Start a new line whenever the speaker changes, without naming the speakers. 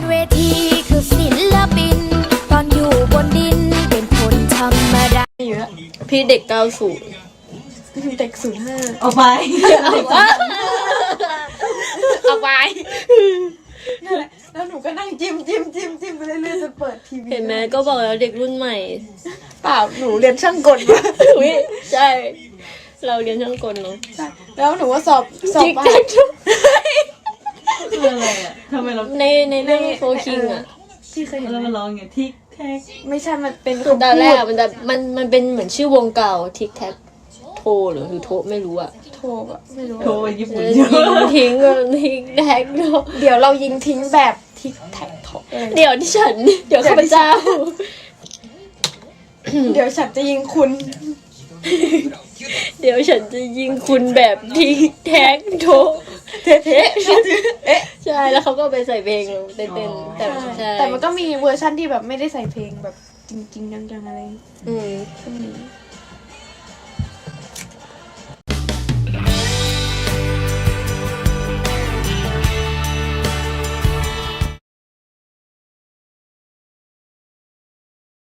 เวทีคือศิลปินตอนอยู่บนดินเป็นคนธรรมดา
อยู่แล้ว
พี่เด็ก90
เด็ก05
เอาไป
เอาไป
นั่นแหละแล้วหนูก็นั่งจิ้มไปเรื่อยๆจนเปิดทีวี
เห็นไหมก็บอกแล้วเด็กรุ่นใหม่
เปล่าหนูเรียนช่างกลมา
อุ๊ยใช่ เราเรียนช่างกลเนาะ
แล้วหนูก็สอบ
จิ๊ก
ผ่า
แจ๊
น
ก
คืออะไรอ่ะทำไมเรา
ในเรื่องโฟคิงอ่ะ
ที่เคยเห็น
เรา
ไหม
มาร้องอย่างทิกแท็ก
ไม่ใช่มันเป็น
คือตอนแรก
คำ
อะ
พูด
มันเป็นเหมือนชื่อวงเก่าทิกแท็กโทหรือโทไม่รู้อ่ะ
โทรอะไม่รู้
โทรไปญี่ปุ่น
ยิงทิ้งทิกแท็กโท
เดี๋ยวเรายิงทิ้งแบบทิกแท็กโทร
เดี๋ยวที่ฉัน เดี๋ยวข้าพเจ้า
เดี๋ยวฉันจะยิงคุณ
เดี๋ยวฉันจะยิงคุณแบบทิกแท็กโทเทะใช่แล้วเขาก็ไปใส่เพลงเต้นๆแต่ใช่
แต่มันก็มีเวอร์ชั่นที่แบบไม่ได้ใส่เพลงแบบจริงๆจังๆอะไร
อืม
ก็มี